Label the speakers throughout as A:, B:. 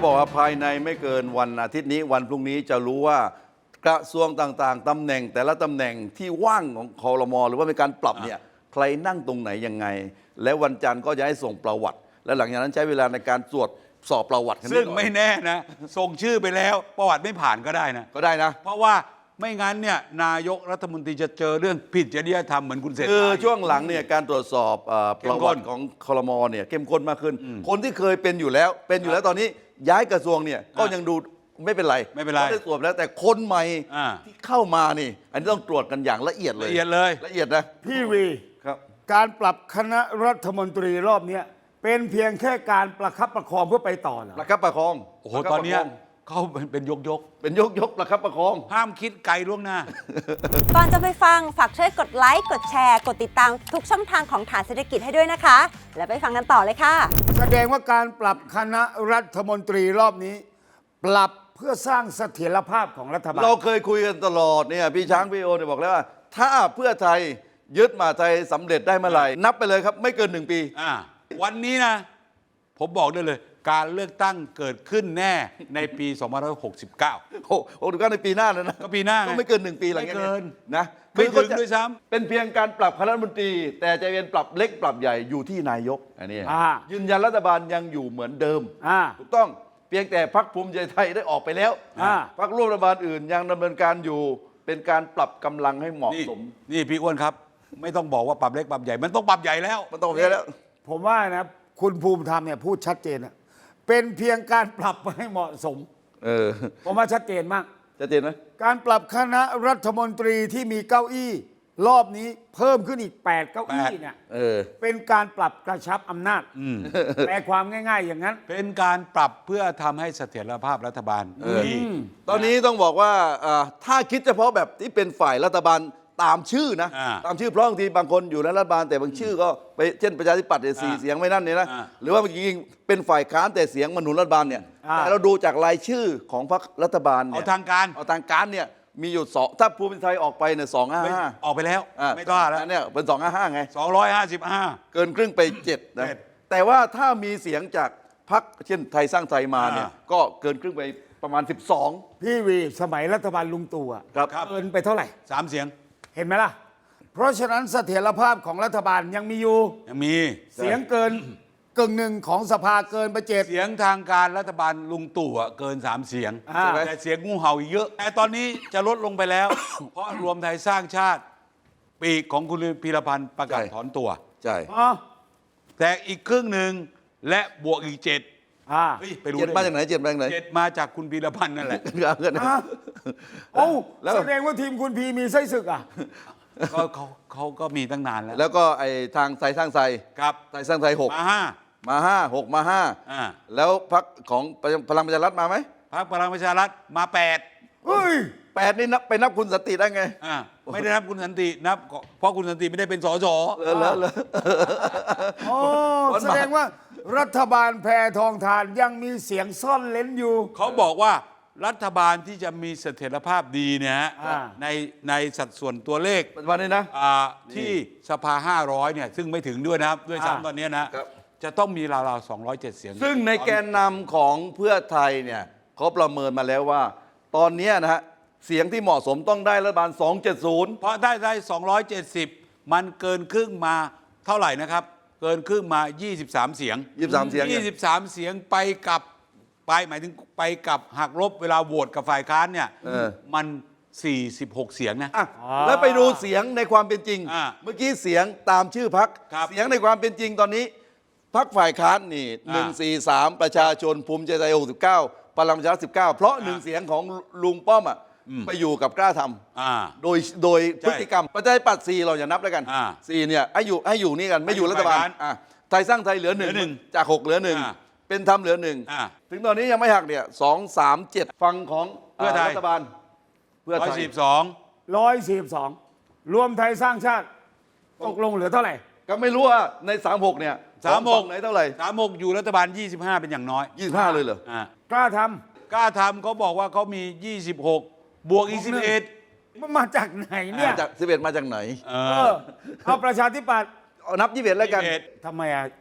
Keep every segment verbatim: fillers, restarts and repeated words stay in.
A: บอกว่าภายในไม่เกินวันอาทิตย์นี้วันพรุ่งนี้จะรู้ว่ากระทรวงต่างๆตำแหน่งแต่ละตำแหน่งที่ว่างของครม.หรือว่ามีการปรับเนี่ยใครนั่งตรงไหนยังไงและวันจันทร์ก็จะให้ส่งประวัติและหลังจากนั้นใช้เวลาในการตรวจสอบประวัติ
B: ซึ่งไม่แน่นะส่งชื่อไปแล้วประวัติไม่ผ่านก็ได้นะ
A: ก็ได้นะ
B: เพราะว่าไม่งั้นเนี่ยนายกรัฐมนตรีจะเจอเรื่องผิดจริยธรรมเหมือนคุณเศรษฐา
A: คือช่วงหลังเนี่ยการตรวจสอบประวัติของครม.เนี่ยเข้มข้นมากขึ้นคนที่เคยเป็นอยู่แล้วเป็นอยู่แล้วตอนนี้ย้ายกระทรวงเนี่ยก็ยังดูไม่เป็นไร
B: ไม่เป็นไร
A: ได้ตรวจแล้วแต่คนใหม่ที่เข้ามานี่อันนี้ต้องตรวจกันอย่างละเอียดเลย
B: ละเอียดเลย
A: ละเอียดนะ
C: พี่วี
A: ครับ
C: การปรับคณะรัฐมนตรีรอบนี้เป็นเพียงแค่การประคับประคองเพื่อไปต่อเหรอ
A: ประคับประคอง
B: โอ้โหตอนนี้เขาเป็นยกยก
A: เป็นยกยกประคับประคอง
B: ห้ามคิดไกลล่วงหน้า
D: ก่อนจะไปฟังฝากช่วยกดไลค์กดแชร์กดติดตามทุกช่องทางของฐานเศรษฐกิจให้ด้วยนะคะแล้วไปฟังกันต่อเลยค่ะ
C: แสดงว่าการปรับคณะรัฐมนตรีรอบนี้ปรับเพื่อสร้างเสถียรภาพของรัฐบาล
A: เราเคยคุยกันตลอดเนี่ยพี่ช้างพี่โอเนี่ยบอกแล้วว่าถ้าเพื่อไทยยึดมหาไทยสำเร็จได้เมื่อไหร่นับไปเลยครับไม่เกินหนึ่งปี
B: อ่าวันนี้นะผมบอกได้เลยการเลือกตั้งเกิดขึ้นแน่ในปีสองพันห้าร้อยหกสิบเก้า
A: โอ้โหก็ในปีหน้าแล้วนะ
B: ก็ปีหน้า
A: ก็ไม่เกินหนึ่งปีหลังจากนี้นะ
B: ไม่ถึงด้วยซ้
A: ำเป็นเพียงการปรับคณะรัฐมนตรีแต่จะเป็นปรับเล็กปรับใหญ่อยู่ที่นายกอันนี้ยืนยันรัฐบาลยังอยู่เหมือนเดิมถูกต้องเพียงแต่พรรคภูมิใจไทยได้ออกไปแล้วพรรคร่วมรัฐบาลอื่นยังดำเนินการอยู่เป็นการปรับกำลังให้เหมาะสม
B: นี่พี่อ้วนครับไม่ต้องบอกว่าปรับเล็กปรับใหญ่มันต้องปรับใหญ่แล้ว
A: มันต้องปรับใหญ่แล้ว
C: ผมว่านะคุณภูมิธรรมเนี่ยพูดชัดเจนนะเป็นเพียงการปรับให้เหมาะสม
A: เออ
C: ผมว่าชัดเจนมาก
A: ชัดเจนไหม
C: การปรับคณะรัฐมนตรีที่มีเก้าอี้รอบนี้เพิ่มขึ้นอีกแปดเก้าอี้เนี่ย
A: เออ
C: เป็นการปรับกระชับอำนาจแปลความง่ายๆอย่างนั้น
B: เป็นการปรับเพื่อทำให้เสถียรภาพรัฐบาลดี
A: ตอนนี้ต้องบอกว่าถ้าคิดเฉพาะแบบที่เป็นฝ่ายรัฐบาลตามชื่อนะตามชื่อเพราะบางทีบางคนอยู่ในรัฐบาลแต่บางชื่อก็ไปเช่นประชาธิปัตย์เนี่ยสี่เสียงไม่นั่นเนี่ยนะหรือว่าจริงๆเป็นฝ่ายค้านแต่เสียงมาหนุนรัฐบาลเนี่ยแต่เราดูจากรายชื่อของพรรครัฐบาลเนี่ย
B: เอาทางการ
A: เอาทางการเนี่ยมีอยู่สองถ้าภูมิใจไทยออกไปเนี่ยสองห้าห้า
B: ออกไปแล้วไม่ต้อแล้ว
A: เนี่ยเป็นสองห้าห้าไง
B: สองร้อยห้าสิบห้า
A: เกินครึ่งไปเจ็ดนะแต่ว่าถ้ามีเสียงจากพรรคเช่นไทยสร้างไทยมาเนี่ยก็เกินครึ่งไปประมาณสิบสอง
C: พี่วีสมัยรัฐบาลลุงตู่อ่ะเกินไปเท่าไหร่
B: สามเสียง
C: เห็นไหมล่ะเพราะฉะนั้นเสถียรภาพของรัฐบาลยังมีอยู่
B: ยังมี
C: เสียงเกินกึ่งหนึ่งของสภาเกินไปเจ็ด
B: เสียงทางการรัฐบาลลุงตู่เกินสามเสียงแต่เสียงงูเห่าเยอะแต่ตอนนี้จะลดลงไปแล้ว เพราะรวมไทยสร้างชาติปีกของคุณพีรพันธ์ประกาศถอนตัว
A: ใช่
B: แต่อีกครึ่งหนึ่งและบวกอีกเจ็ด
A: ไปรู้เจ็ดมาจากไหนเจ็ดมาจากไหน
B: เจ็ดมาจากคุณพีรพันธ์นั่นแหละ
C: โอ้แสดงว่าทีมคุณพีมีไส้ศึกอ่ะ
B: ก็เขาเขาก็มีตั้งนานแล้ว
A: แล้วก็ไอ้ทางไทยสร้างไทย
B: ครับ
A: ไทยสร้างไทยหก
B: มาห้า
A: มาห้าหกมาห้าแล้วพรรคของพลังประชารัฐมาไหม
B: พรรคพลังประชารัฐมาแปด
C: เฮ้ย
A: แปดนี่นับไปนับคุณสันติได้ไง
B: อ่าไม่ได้นับคุณสันตินับเพราะคุณสันติไม่ได้เป็นสส
A: เออแล้วแล้ว
C: โอ้แสดงว่ารัฐบาลแพทองทานยังมีเสียงซ่อนเล้นอยู่
B: เขาบอกว่ารัฐบาลที่จะมีเสถียรภาพดีเนี่ยฮะในในสัดส่วนตัวเลข
A: วันนี้นะ
B: ที่สภาห้าร้อยเนี่ยซึ่งไม่ถึงด้วยนะครับด้วยซ้ำตอนนี้นะจะต้องมีราวๆสองร้อยเจ็ดเสียง
A: ซึ่งในแกนนำของเพื่อไทยเนี่ยเขาประเมินมาแล้วว่าตอนนี้นะฮะเสียงที่เหมาะสมต้องได้รัฐบาลสองร้อยเจ็ดสิบ
B: เพราะได้ได้สองร้อยเจ็ดสิบมันเกินครึ่งมาเท่าไหร่นะครับเกินครึ่งมายี่สิบสามเสียง
A: ยี่สิบสามเสียง
B: ยี่สิบสามเสียงไปกับไปหมายถึงไปกับหักลบเวลาโหวตกับฝ่ายค้านเนี่ยมันสี่สิบหกเสียงนะ
A: แล้วไปดูเสียงในความเป็นจริงเมื่อกี้เสียงตามชื่อพรรคเสียงในความเป็นจริงตอนนี้พรรคฝ่ายค้านนี่หนึ่งสี่สามประชาชนภูมิใจไทยหกสิบเก้าพลังประชารัฐสิบเก้าเพราะหนึ่งเสียงของลุงป้อมอ่ะไปอยู่กับกล้าทำโดยโดยพฤติกรรมประชาธิปัตย์สี่เราอย่านับแล้วกันสี่เนี่ยให้อยู่ให้อยู่นี่กันไม่อยู่รัฐบาลไทยสร้างไทยเหลือหนึ่งจากหกเหลือหนึ่งเป็นทำเหลือหนึ่งถึงตอนนี้ยังไม่หักเนี่ยสองสามเจ็ดฟังของ
B: เพื่อไทย
A: รัฐบาล
B: เพื่อไทยร้อยสี่สิบสอง
C: ร้อยสี่สิบสองรวมไทยสร้างชาติตกลงเหลือเท่าไหร่
A: ก็ไม่รู้ว่าในสามหกเนี่ย
B: สามหก
A: ไหนเท่าไหร่
B: สามหกอยู่รัฐบาลยี่สิบห้าเป็นอย่างน้อย
A: ยี่สิบห้าเลยเหร
C: อกล้าท
B: ำกล้าทำเขาบอกว่าเขามียี่สิบหกบวกอีกสิบเอ็ด
C: มันมาจากไหนเนี่ย
A: จากสิบเอ็ดมาจากไหน
C: เออเอาประชาธิปัตย์
A: เอานับยี่สิบเอ็ดแล้วกัน
C: ทำไมอ่ะ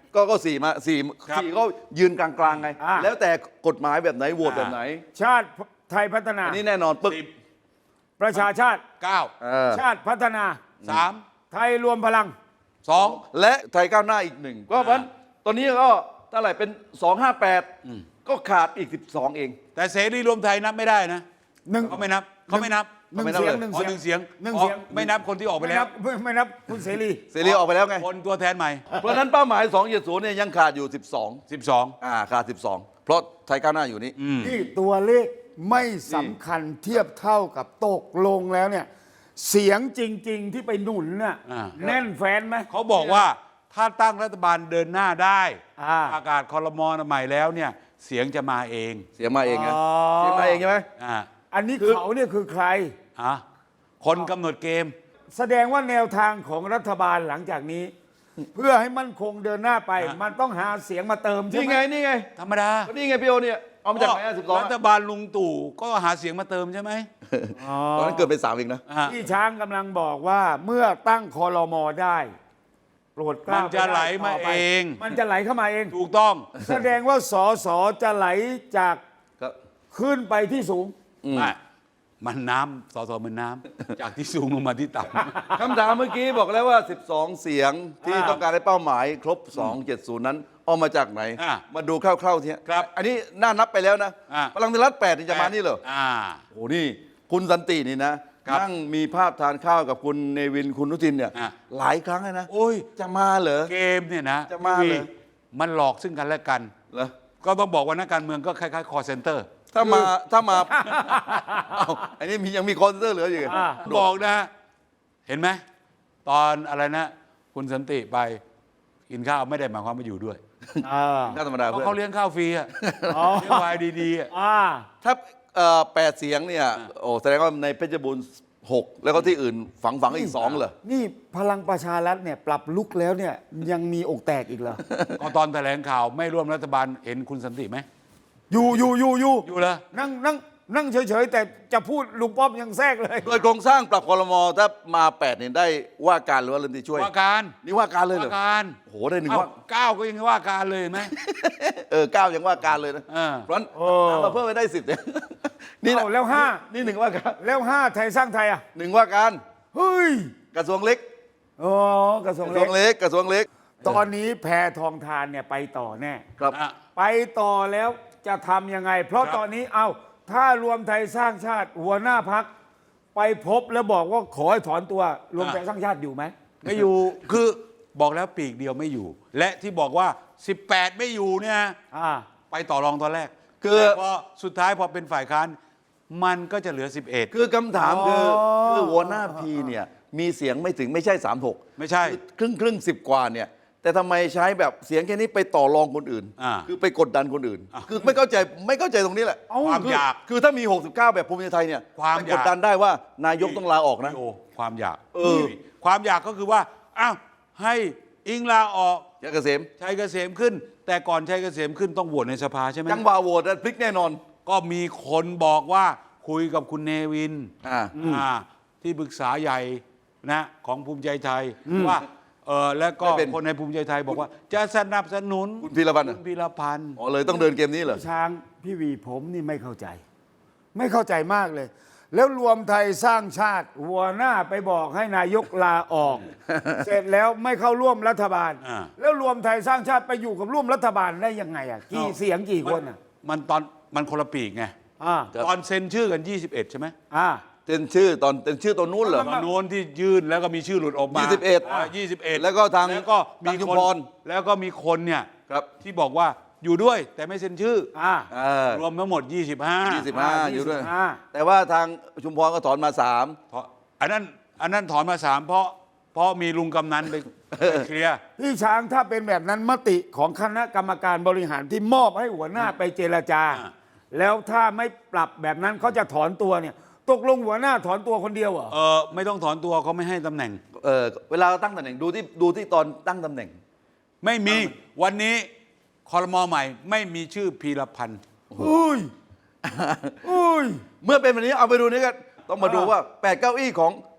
A: ก็ก็สี่มาสี่
B: ครับ
A: สี่ก็ยืนกลางๆไง
C: อ่า
A: แล้วแต่กฎหมายแบบไหนโหวตแบบไหน
C: ชาติไทยพัฒนา
A: อันนี้แน่นอนปึ๊ก
B: สิบ
C: ประชาชาติ
B: เก้า
A: เออ
C: ชาติพัฒนา
B: สาม
C: ไทยรวมพลัง
B: สอง
A: และไทยก้าวหน้าอีกหนึ่งก็เพราะฉะนั้นตอนนี้ก็เท่าไหร่เป็นสองห้าแปดก็ขาดอีกสิบสองเอง
B: แต่เสรีรวมไทยนับไม่ได้นะ
C: หนึ่ง
B: เขาไม่นับเขาไม่นับ
C: หนึ่ง
A: ไม่นับ
C: เสียง
A: เลย
C: หนึ่ง
B: อ๋อ
C: เสียง
B: หนึ่งเสียง
C: หนึ่ง
B: อ๋อ
C: เสียง
B: ไม่นับคนที่ออกไป
C: ไม่
B: แล้
C: นั
B: ว
C: บไม่ไม่นับคุณเสรี
A: เสรีออกไปแล้วไง
B: คนตัวแทนใหม่
A: เพราะฉะนั้นเป้าหมายสองเจ็ดศูนย์เนี่ยยังขาดอยู่สิบสอง
B: สิบสอง
A: อ่าขาดสิบสองเพราะไทยก้าวหน้าอยู่นี่
C: ที่ตัวเลขไม่สำคัญเทียบเท่ากับตกลงแล้วเนี่ย เสียงจริง ๆ ที่ไปหนุนน่ะ
B: อ่า
C: แน่นแฟนไหม
B: เขาบอกว่าถ้าตั้งรัฐบาลเดินหน้าได้
C: อ่า
B: ประกาศคอรมอใหม่แล้วเนี่ยเสียงจะมาเอง
A: เสียมาเองไง
C: อ๋อ
A: เสียมาเองใช่ไหม
B: อ่า
C: อันนี้เขาเนี่ยคือใคร
B: อ่ะคนกำหนดเกม
C: แสดงว่าแนวทางของรัฐบาลหลังจากนี้ เพื่อให้มั่นคงเดินหน้าไป
B: ฮะ
C: มันต้องหาเสียงมาเติมใช่
A: นี่
C: ไหม
A: ไงนี่ไง
B: ธรรมดา
A: ก็นี่ไงพี่โอเนี่ยเอามาจากไหนสิบสอง
B: รัฐบาลลุงตู่ก็หาเสียงมาเติมใช่ไหม
A: ตอนนั้นเกิดเป็นสามอีกนะ
B: อ่ะ
C: ที่ช้างกำลังบอกว่าเมื่อตั้งคอรมอได้ โปรดเกล้า
B: มันจะไหลมา
C: ต่ไป
B: เอง
C: มันจะไหลเข้ามาเอง
B: ถูกต้อง
C: แสดงว่าสอสอจะไหลจาก
A: ครับ
C: ขึ้นไปที่สูง
B: ไม่มันน้ำสอสอมันน้ำ จากที่สูงลงมาที่ต่ำ
A: คำถามเมื่อกี้บอกแล้วว่า สิบสอง เสียงที่
C: อ่า
A: ต้องการให้เป้าหมายครบ สองเจ็ดศูนย์ นั้นเอามาจากไหน
B: อ่า
A: มาดูคร่าวๆที
B: ครับ
A: อันนี้น่านับไปแล้วนะ
B: อ่า
A: พลังประชารัฐแปดนี่จะมานี่เหรอ
B: อ่า
A: โอ้โหนี่คุณสันตินี่นะครับ นั่งมีภาพทานข้าวกับคุณเนวินคุณนุทินเนี่ย
B: อ่า
A: หลายครั้งเลยนะ
B: โอ้ย
A: จะมาเหรอ
B: เกมเนี่ยนะ
A: จะมา
B: พี่
A: เหรอ
B: มันหลอกซึ่งกันและกัน
A: เหรอ
B: ก็ต้องบอกว่านักการเมืองก็คล้ายๆ call center
A: ถ้ามาถ้ามา เอ้าอันนี้มียังมีคอนเสิร์ตเหลืออยู่
C: อ่า
B: บอกนะ เห็นไหม ตอนอะไรนะ คุณสันติไปกินข้าวไม่ได้หมายความว่าอยู่ด้วย
C: อ่า
A: น่าธรรมดา
B: เพราะ
A: เพื่อน
B: เขาเลี้ยงข้าวฟรีอะ
C: อ๋อ
B: เลี้ยงวายดีๆอะ
C: อ่า
A: ถ้าเอ่อแปดเสียงเนี่ยโอ้แสดงว่าในเพชรบูรณ์หกแล้วก็ที่อื่นฝังฝังอีกสองเหรอ
C: นี่พลังประชารัฐเนี่ยปรับลุกแล้วเนี่ยยังมีอกแตกอีกเหรอ
B: ก็ตอนแถลงข่าวไม่ร่วมรัฐบาลเห็นคุณสันติไหม
C: อยู่อยู่อยู่อยู่
B: อยู่เหรอ
C: นั่งนั่งนั่งเฉยๆ แต่จะพูดลุงป้อมยังแทรกเลย
A: โดยโครงสร้างปรับคอรมอถ้ามาแปดเนี่ยได้ว่าการหรือว่าเรื่องที่ช่วย
B: ว่าการ
A: นี่ว่าการเลยเหรอ
B: ว่าการ
A: โอ้โหได้หนึ่ง
B: เอ้า
A: ว่า
B: เก้าก็ยังว่าการเลยเห็นไหม
A: เออเก้ายังว่าการเลยนะ
B: เออ
A: เพราะฉะนั้น
C: โอ้
A: เอามาเพิ่มไปได้สิบเนี่ยนี่นะ
C: เอาแล้วห้า
A: นี่หนึ่งว่าการ
C: แล้วห้าไทยสร้างไทยอ่ะ
A: หนึ่งว่าการ
C: เฮ้ย
A: กระทรวงเล็ก
C: อ๋อกระทรว
A: ก
C: ง
A: ระทร
C: เล็
A: ว
C: ก
A: งเล็กกระทรวงเล็ก
C: ตอนนี้แพทองทานเนี่ยไปต่อแน่
A: ครับ
B: อ่ะ
C: ไปต่อแล้วจะทำยังไง เพราะ
B: ครับ
C: ตอนนี้เอาถ้ารวมไทยสร้างชาติหัวหน้าพัก ไปพบแล้วบอกว่าขอให้ถอนตัวรวมไทยสร้างชาติอยู่ไหม
B: ไม่อยู่ คือบอกแล้วปีกเดียวไม่อยู่ และที่บอกว่า สิบแปด ไม่อยู่เนี่ย
C: อ่า
B: ไปต่อรองตอนแรก
A: คือ
B: แต่พอสุดท้ายพอเป็นฝ่ายค้านมันก็จะเหลือ สิบเอ็ด
A: คือคำถามคือ
C: อ๋อ
A: คือหัวหน้าพีเนี่ยมีเสียงไม่ถึงไม่ใช่สามหก
B: ไม่ใช่
A: ครึ่งครึ่งสิบกว่าเนี่ยแต่ทำไมใช้แบบเสียงแค่นี้ไปต่อรองคนอื่น
B: อ่า
A: คือไปกดดันคนอื่น คือไม่เข้าใจไม่เข้าใจตรงนี้แหละ
C: เอ้า
B: ความ
A: คือ
B: อยาก
A: คือถ้ามี หกสิบเก้า แบบภูมิใจไทยเนี่ย
B: ความ
A: ไป
B: อยาก
A: กดดันได้ว่านายกต้องลาออกนะ
B: โอ้ความอยาก
A: เออ
B: ความอยากก็คือว่าอ้าวให้อิงลาออก
A: ยาเกษม
B: ชัยเกษมขึ้น แต่ก่อนชัยเกษมขึ้นต้องโหวตในสภาใช่ไหม
A: จังหวะโหวตพลิกแน่นอน
B: ก็มีคนบอกว่าคุยกับคุณเนวิน
A: อ่า
B: อ่าที่ปรึกษาใหญ่นะของภูมิใจไทยว่าเออแล้วก็
A: ไม่เป็น
B: คนในภูมิใจไทยบอกว่า จะสนับสนุน
A: คุณพีรพันธ์
B: คุณพีรพันธ์
A: อ๋อเลยต้องเดินเกมนี้เหรอ
C: ช้างพี่วีผมนี่ไม่เข้าใจ ไม่เข้าใจมากเลย แล้วรวมไทยสร้างชาติ หัวหน้าไปบอกให้นายกลาออก เสร็จแล้วไม่เข้าร่วมรัฐบาล
B: อ่า
C: แล้วรวมไทยสร้างชาติไปอยู่กับร่วมรัฐบาลได้ยังไงอ่ะกี่เสียงกี่คนอ่ะ
B: มันตอนมันคนละปีกไง
C: อ่า
A: ครับ
B: ตอนเซ็นชื่อกัน ยี่สิบเอ็ด ใช่ไหม
C: อ่า
A: เซ็นชื่อตอนเซ็นชื่อตอนนู้นเหรอ
B: ตอนโน้นที่ยื่นแล้วก็มีชื่อหลุดออกมา
A: ยี่สิบเอ็ด
B: ายี่สิบเอ็ด
A: แล้วก็ทาง
B: แล้วก็มี
A: ทางชุม
B: คน
A: พร
B: แล้วก็มีคนเนี่ย
A: ครับ
B: ที่บอกว่าอยู่ด้วยแต่ไม่เซ็นชื่อ
C: อ่า
A: เออ
B: รวมทั้งหมด ยี่สิบห้า
A: ยี่สิบห้า
C: อ่า
A: อยู่ด้วย
C: ยี่สิบห้า
A: แต่ว่าทางชุมพรก็ถอนมาสาม
B: เพราะอันนั้นอันนั้นถอนมาสามเพราะเพราะมีลุงกำนันไปไปเคลียร์
C: พี่ช้างถ้าเป็นแบบนั้นมติของคณะกรรมการบริหารที่มอบให้หัวหน้าไปเจรจา
B: อ่า
C: แล้วถ้าไม่ปรับแบบนั้นเขาจะถอนตัวเนี่ย ตกลงหัวหน้าถอนตัวคนเดียวเหรอ
B: เออไม่ต้องถอนตัวเขาไม่ให้ตำแหน่ง
A: เออเวลาตั้งตำแหน่งดูที่ดูที่ตอนตั้งตำแหน่ง
B: ไม่มีวันนี้คอรมอใหม่ไม่มีชื่อพีรพันธ์
C: อุ้ย อุ้ย
A: เมื่อเป็นแบบนี้เอาไปดูนี่กันต้องมาดู
C: อ่า
A: ว่าแปดเก้าอี้ของ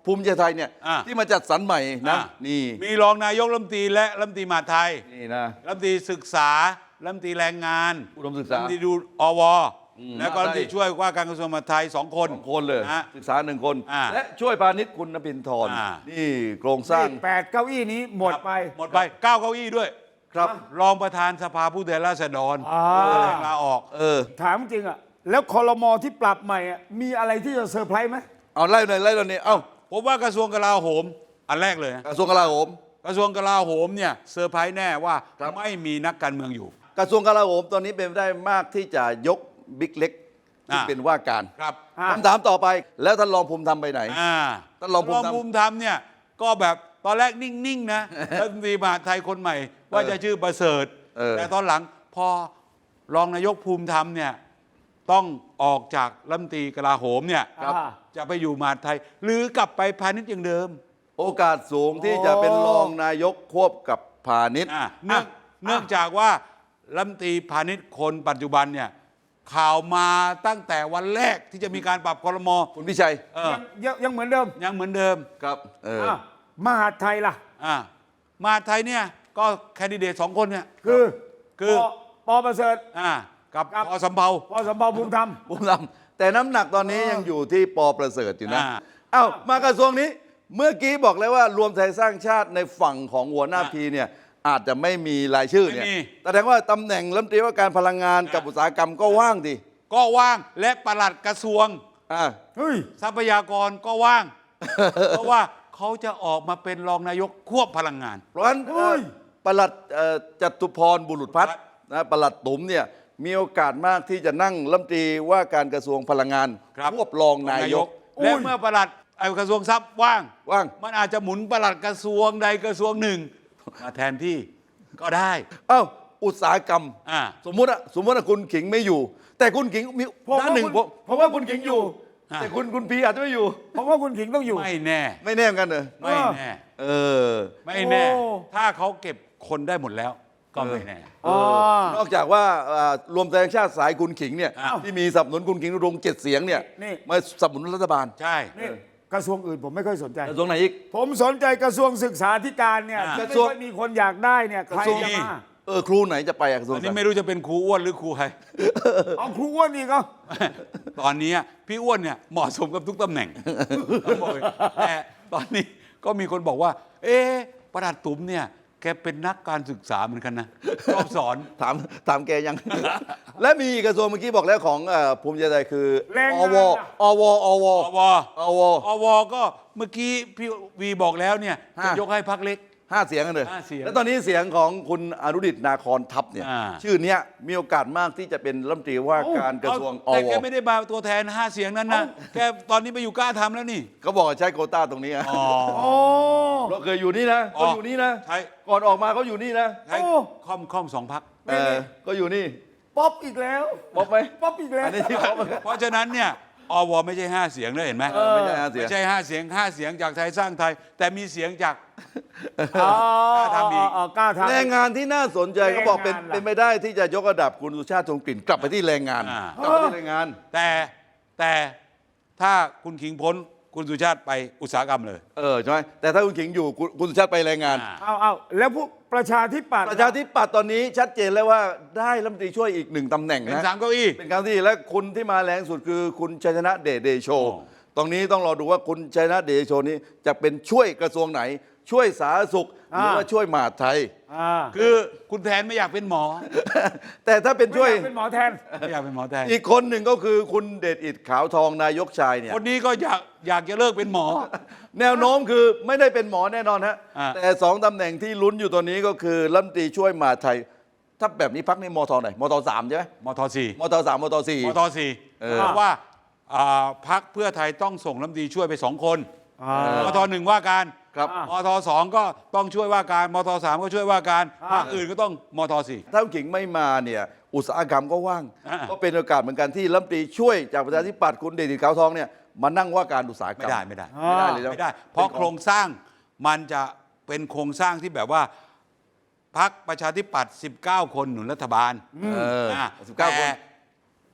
A: ภูมิใจไทยเนี่ย
B: อ่า
A: ที่มาจัดสรรใหม่นะ
B: อ่ะ
A: นี่
B: มีรองนายกรัฐมนตรีและรัฐมนตรีมหาดไทย
A: นี่นะ
B: รัฐมนตรีศึกษารัฐมนตรีแรงงาน
A: อุดมศึก
B: รัฐ
A: ษาม
B: นตรีดูอว
A: อืม
B: แล้วก็รัฐมนตรีช่วยว่าการกระทรวงมหาดไทยสองคน
A: สองคนเลย
B: นะ
A: ศึกษาหนึ่งคน
B: อ่า
A: และช่วยพาณิชย์คุณนภินทร
B: อ่า
A: นี่โครงสร้าง
C: นี่แปดเก้าอี้นี้หมดไป
B: หมดไปเก้าเก้าอี้ด้วย
A: ครับ
B: รองประธานสภาผู้แทนราษฎร
C: อ่า
B: ลาออก
A: เออ
C: ถามจริงอ่ะ แล้วคอรมอที่ปรับใหม่อ่ะมีอะไรที่จะเซอร์ไพรส์ไหม
A: เอาไล่หน่อยไล่หน่อยนี่เอ้า
B: ผมว่ากระทรวงกลาโหม อันแรกเลยนะ
A: กระทรวงกลาโหม
B: กระทรวงกลาโหมเนี่ยเซอร์ไพรส์แน่ว่า
A: ครับ
B: ไม่มีนักการเมืองอยู่
A: กระทรวงกลาโหมตอนนี้เป็นไปได้มากที่จะยกบิ๊กเล็กที่
B: อ่า
A: เป็นว่าการ
B: ครับ
C: อ่า
A: คำถามต่อไปแล้วท่านรองภูมิธรรมไปไหน
B: อ่า
A: ท่านรองภูมิธรรม
B: ภูมิธรรมเนี่ยก็แบบตอนแรกนิ่ง ๆ นะรัฐมนตรีมหาดไทยคนใหม่ ว่าจะชื่อประเสริฐ
A: เออ
B: แต่ตอนหลังพอรองนายกภูมิธรรมเนี่ยต้องออกจากรัฐมนตรีกลาโหมเนี่ย
C: ครับ
B: จะไปอยู่มหาดไทย หรือกลับไปพาณิชย์อย่างเดิม
A: โอกาสสูงที่จะเป็นรองนายกควบกับพาณิชย์
B: อ่ะเนื่องเนื่องจากว่ารัฐมนตรีพาณิชย์คนปัจจุบันเนี่ยข่าวมาตั้งแต่วันแรกที่จะมีการปรับครม
A: คุณพิชัย
B: เออ
C: ยังยังยังเหมือนเดิม
B: ยังเหมือนเดิม
A: ครับเออ
C: อ่ะมหาดไทยล่ะ
B: อ่ามหาดไทยเนี่ยก็แคนดิเดตสองคนเนี่ย
C: คือ
B: คือ
C: ปปอประเสริฐ
B: อ่ากับ
C: ครับ
B: พอสำเภา
C: ปอสมบัติภูมิธรรม
A: ภูมิธรรมแต่น้ำหนักตอนนี้ยังอยู่ที่ปอประเสริฐอยู่นะ
B: อ่า
A: เอ้ามากระทรวงนี้ เมื่อกี้บอกแล้วว่ารวมไทยสร้างชาติในฝั่งของหัวหน้า
B: อ่า
A: พีเนี่ยอาจจะไม่มีรายชื่อเนี่ย
B: ไม่มี
A: แสดงว่าตำแหน่งรัฐมนตรีว่าการพลังงานกับ
B: อ่า
A: อุตสาหกรรมก็ว่างดิ
B: ก็ว่างและปลัดกระทรวง
A: อ่า
C: เฮ้ย
B: ทรัพยากรก็ว่าง เพราะว่าเขาจะออกมาเป็นรองนายกควบพลังงาน
A: เพราะฉะนั้น
C: เฮ้ย
A: ปลัดเอ่อจตุพรบุรุษพัฒน์นะปลัดตุ๋มเนี่ยมีโอกาสมากที่จะนั่งรัฐมนตรีว่าการกระทรวงพลังงาน
B: ครับ
A: ควบรองนายก
C: อุ้ย
B: และเมื่อปลัดไอ้กระทรวงทรัพย์ว่าง
A: ว่าง
B: มันอาจจะหมุนปลัดกระทรวงใดกระทรวงหนึ่ง มาแทนที่ก็ได้
A: เอ้าอุตสาหกรรม
B: อ่า
A: สมมุติอะสมมติว่าคุณขิงไม่อยู่ แต่คุณขิงมี
C: ผม
A: ด้านหนึ่ง
C: ว่าคุณ
A: ผมผมว่าคุณขิงอยู่
B: อ่า
A: แต่คุณคุณพีอาจจะไม่อยู่
C: เพราะว่าคุณขิงต้องอยู่
B: ไม่แน่
A: ไม่แน่เหมือนกันเหรอ
B: ไม่แน่
A: เออ
B: ไม่แน่
C: โอ้
B: ถ้าเขาเก็บคนได้หมดแล้ว ก็ไม่แน่
C: อ๋อ
A: นอกจากว่าอ่ารวมไทยสร้างชาติสายคุณขิงเนี่ย
B: อ้าว
A: ที่มีสนับสนุนคุณขิงรงเจ็ดเสียงเนี่ย
C: นี่
A: มาสนับสนุนรัฐบาล
B: ใช่
C: นี่กระทรวงอื่นผมไม่ค่อยสนใจ
A: กระทรวงไหนอีก
C: ผมสนใจกระทรวงศึกษาธิการเนี่ย
B: อ่า
C: ที่
A: กระ
C: ไม่
A: ทรวง
C: ค่อยมีคนอยากได้เนี่ยใคร
A: กระทรวง
C: จะมา
A: เออครูไหนจะไปอะกระทรวง
B: อันนี้ไม่รู้จะเป็นครูอ้วนหรือครูใคร
C: เอาครูอ้วนอีกเหรอ
B: ตอนนี้พี่อ้วนเนี่ยเหมาะสมกับทุกตำแหน่งต้องบอกเลยแต่ตอนนี้ก็มีคนบอกว่า เอ๊ะประหลัดตุ๋มเนี่ยแกเป็นนักการศึกษาเหมือนกันนะชอบสอน
A: ถามถามแกยัง และมีอีกกระทรวงเมื่อกี้บอกแล้วของเอ่อภูมิใจไทยคือ
C: แรง
A: อง
C: าน
A: ว
C: น่ะ
A: อวอว
B: อว
A: อว
B: อวก็เมื่อกี้พี่วีบอกแล้วเนี่ย
A: ห้า
B: จะยกให้พักเล็ก
A: ห้าเสียงกันเลย
B: ห้าเสียง
A: แล้วตอนนี้เสียงของคุณอนุดิตนาคอนทัพเนี่ย
B: อ่า
A: ชื่อเนี้ยมีโอกาสมากที่จะเป็นรัฐมนตรีว่าการกระทรวงอ
B: แต่
A: ว
B: แกไม่ได้มาตัวแทนห้าเสียงนั้นนะแกตอนนี้ไปอยู่กล้าทำแล้วนี่
A: เขาบอกว่าใช้โควต้าตรงนี้อะ
B: อ๋อ
C: โอ้
A: เราเคยอยู่นี่นะ
B: อ๋อ
A: เขาอยู่นี่นะ
B: ใช่
A: ก่อนออกมาเขาอยู่นี่นะ
B: ใช้
C: โอ้
B: ค่อมค่อมสองพัก
A: เออก็อยู่นี่
C: ป๊อปอีกแล้ว
A: บอกไหม
C: ป๊อปอีกแล้ว
A: อันนี้ที่เขา
B: เพราะฉะนั้นเนี่ยอวไม่ใช่ห้าเสียงเลยเห็นไหม
A: เออไม่ใช่ห้าเสียง
B: ไม่ใช่ห้าเสียงห้าเสียงจากไทยสร้างไทย แต่มีเสียงจาก
C: อ๋อก
B: ล้าทำอีก
C: อ๋อกล้าทำ
A: แรงงานที่น่าสนใจเขาบอกเป็น
C: แรงงานล่ะ
A: เป็นไม่ได้ที่จะยกระดับคุณสุชาติชมกลิ่นกลับไปที่แรงงาน
B: อ่า
A: กลับไปที่แรงงาน
B: แต่แต่ถ้าคุณขิงพ้นคุณสุชาติไปอุตสาหกรรมเลย
A: เออใช่ไหมแต่ถ้าคุณขิงอยู่คุณคุณสุชาติไปแรงงาน
B: อ่า
C: เอาเอาแล้วพวกประชาธิปัตย์
A: ประชาธิปัตย์ตอนนี้ชัดเจนแล้วว่าได้รัฐมนตรีช่วยอีกหนึ่งตำแหน่ง
B: เป็น
A: นะ
B: สามเก้าอี้
A: เป็นครั้งที่และคุณที่มาแรงสุดคือคุณชัยชนะเดชเดโช
B: โอ้
A: ตรงนี้ต้องรอดูว่าคุณชัยชนะเดชโชนี้จะเป็นช่วยกระทรวงไหน ช่วยสาธารณสุขหรือว่าช่วยมหาดไทย
C: อ่า
B: คือคุณแทนไม่อยากเป็นหมอ
A: แต่ถ้าเป็น
C: ไม่
A: ช่วย
C: อยากเป็นหมอแทน
B: ไม่อยากเป็นหมอแทน
A: อีกคนหนึ่งก็คือคุณเดชอิดขาวทองนายกชายเนี่ย
B: คนนี้ก็อยากอยากจะเลิกเป็นหมอ
A: แนวโน้มคือไม่ได้เป็นหมอแน่นอนฮะ
B: อ่า
A: แต่สองตำแหน่งที่ลุ้นอยู่ตอนนี้ก็คือรัฐมนตรีช่วยมหาดไทย ถ้าแบบนี้พักในมทไหนมทสามใช่ไหม
B: มทสี่
A: มทสามมทสี่
B: มทสี่
A: เออ
B: เพราะว่าอ่าพักเพื่อไทยต้องส่งรัฐมนตรีช่วยไปสองคน
C: อ่าม
B: ทหนึ่งว่าการ
A: ครับ
B: มทสองก็ต้องช่วยว่าการมทสามก็ช่วยว่าการภาคอื่นก็ต้องมทสี่
A: ถ้าคุณขิงไม่มาเนี่ยอุตสาหกรรมก็ว่าง
B: อ่า
A: ก็เป็นโอกาสเหมือนกันที่รัฐมนตรีช่วยจากประชาธิปัตย์คุณเดชอิดขาวทองเนี่ยมานั่งว่าการอุตสาหกร
B: ไม่
A: รม
B: ได้ไม่ได้
A: ไม่ได้เลยนะ
B: ไม่ได้ เพราะโครงสร้างมันจะเป็นโครงสร้างที่แบบว่าพักประชาธิปัตย์สิบเก้า คนหนุนรัฐบาล
A: เออ
B: อ่ะ
A: สิบเก้าคน
B: แต่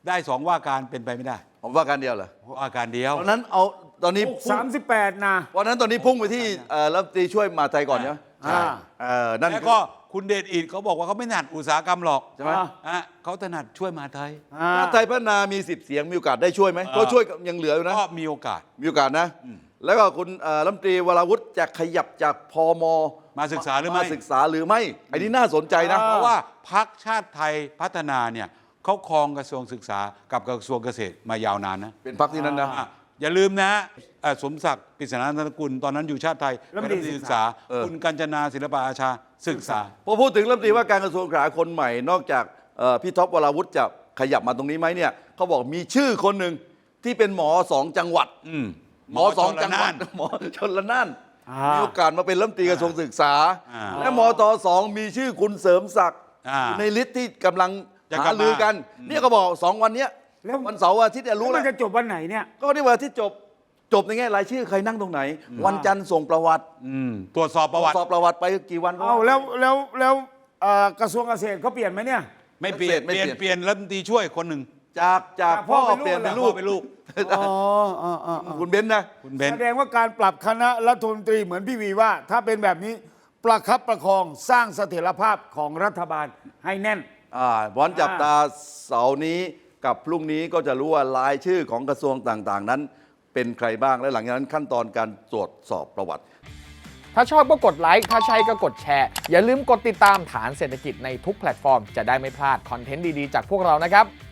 B: ได้สองว่าการเป็นไปไม่ได้
A: ผมว่าการเดียวเหรอ
B: ว่าการเดียว
A: ตอนนั้นเอาตอนนี้พุ่ง
C: สามสิบแปดนะ
A: วันนั้นตอนนี้พุ่งไปที่เอ่อรัฐมนตรีช่วยมหาดไทยก่อนใช่ไหม
C: อ่า
A: เออนั่น
B: แล้ว
A: คือ
B: ก็คุณเดชอิดเขาบอกว่าเขาไม่ถนัดอุตสาหกรรมหรอก
A: ใช่ไหม
C: อ่า
B: อ่ะเขาถนัดช่วยมหาไทย
C: อ่า
A: ถ้าไทยพัฒนามีสิบเสียงมีโอกาสได้ช่วยไหมเพราะช่วยยังเหลืออยู่นะ
B: ก็มีโอกาส
A: มีโอกาสนะ แล้วก็คุณเอ่อรัฐมนตรีวราวุธจะขยับจากพม
B: มาศึกษาหรือไม่
A: ศึกษาหรือไม่อันนี้น่าสนใจนะ
C: อ่า
B: เพราะว่าพักชาติไทยพัฒนาเนี่ยเขาครองกระทรวงศึกษากับกระทรวงเกษตรมายาวนานนะ
A: เป็นพักที่นั้นนะ
B: อ่ะอย่าลืมนะเอ่อสมศักดิ์ปริศนานันทกุลตอนนั้นอยู่ชาติไทย
C: รัฐมน
B: เป็น
C: ตรี
B: รัฐมนตรีศึกษา
A: เออ
B: คุณกัญจนาศิลปะอาชาศึกษา
A: พอพูดถึงรัฐมนตรีว่าการกระทรวงศึกษาคนใหม่ นอกจากเอ่อพี่ท็อปวราวุธจะขยับมาตรงนี้ไหมเนี่ยเขาบอกมีชื่อคนหนึ่งที่เป็นหมอสองจังหวัด
B: อืม
A: หมอสองจังหวัด
B: ชลน่าน
A: หมอชนละน่าน
C: อ่ามี
A: มีโอกาสมาเป็นรัฐมนตรีกระทรวงศึกษา
B: อ่า
A: และมตสองมีชื่อคุณเสริมศักดิ์
B: อ่า
A: อยู่ในลิสต์ที่กำลัง
B: จะกลั
A: หา
B: บมา
A: ลือกัน เนี่ยก็บอกสองวันเนี้ย
C: แล้ว
A: วันเสาร์วันอาทิตย์เนี่ย
C: รู้
A: รู้
C: มั
A: แล้ว
C: นจะจบวันไหนเนี่ย
A: ก็นี่วันอาทิตย์จบจบในแง่รายชื่อใครนั่งตรงไหน วันจันทร์ส่งประวัติ
B: อืมตรวจสอบประวัติ
A: สอบประวัติไปกี่วันก็
C: เอาแล้วแล้วแล้วเอ่อกระทรวงเกษตรเขาเปลี่ยนไหมเนี่ย
B: ไม่เปลี่ยน
A: ไม่
B: เปลี่ยน
A: เปลี่ยน
B: เปลี่ยนรัฐมนตรีช่วยคนหนึ่ง
A: จากจาก
C: จากพ่
A: พ่
C: อ
A: อ
C: เป็นลูก
A: เปลี่ยนเป็น
C: เหรอ
A: ลูก
B: เป็นลูก
C: อ๋ออ๋ออ๋ออ๋อ
A: คุณเบนซ์นะ
B: คุณเบน
C: แสดงว่าการปรับคณะรัฐมนตรีเหมือนพี่วีว่า ถ้าเป็นแบบนี้ประคับประคองสร้างเสถียรภาพของรัฐบาลให้แน่น
A: อ่าวันจับตาเสาร์นี้กับพรุ่งนี้ก็จะรู้ว่ารายชื่อของกระทรวงต่างๆ นั้น เป็นใครบ้างและหลังจากนั้นขั้นตอนการตรวจสอบประวัติ
E: ถ้าชอบก็กดไลค์ ถ้าใช่ก็กดแชร์ อย่าลืมกดติดตามฐานเศรษฐกิจในทุกแพลตฟอร์ม จะได้ไม่พลาดคอนเทนต์ดี ๆ จากพวกเรานะครับ